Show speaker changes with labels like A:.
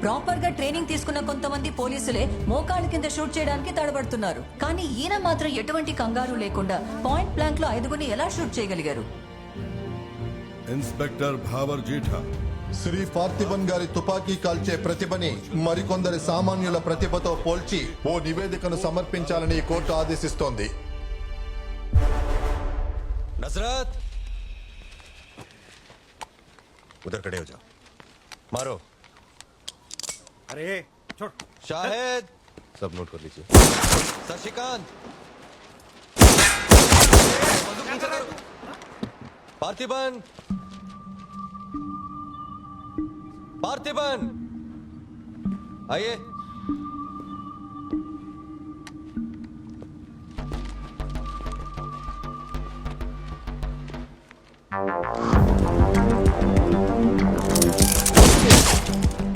A: Proper గా training తీసుకున్న కొంతమంది పోలీసులే మోకాళ్ళ కింద షూట్ చేయడానికి తడబడుతున్నారు. కానీ ఈయన మాత్రం ఎటువంటి కంగారు లేకుండా పాయింట్ బ్లాంక్ లో 5గురిని ఎలా షూట్ చేయగలిగారు?
B: ఇన్స్పెక్టర్ భావర్ జీఠా,
C: శ్రీ పార్థిబన్ గారి తుపాకీ కాల్చే ప్రతిభని మరికొందరి సామాన్యుల ప్రతిభతో పోల్చి ఓ నివేదికను సమర్పించాలని కోర్టు ఆదేశిస్తోంది.
D: నజరత్, उधर खड़े हो जाओ. मारो.
E: अरे छोड़.
D: शाहिद, सब नोट कर लीजिए. शशिकांत, पार्थिबन, पार्थिबन, आइए.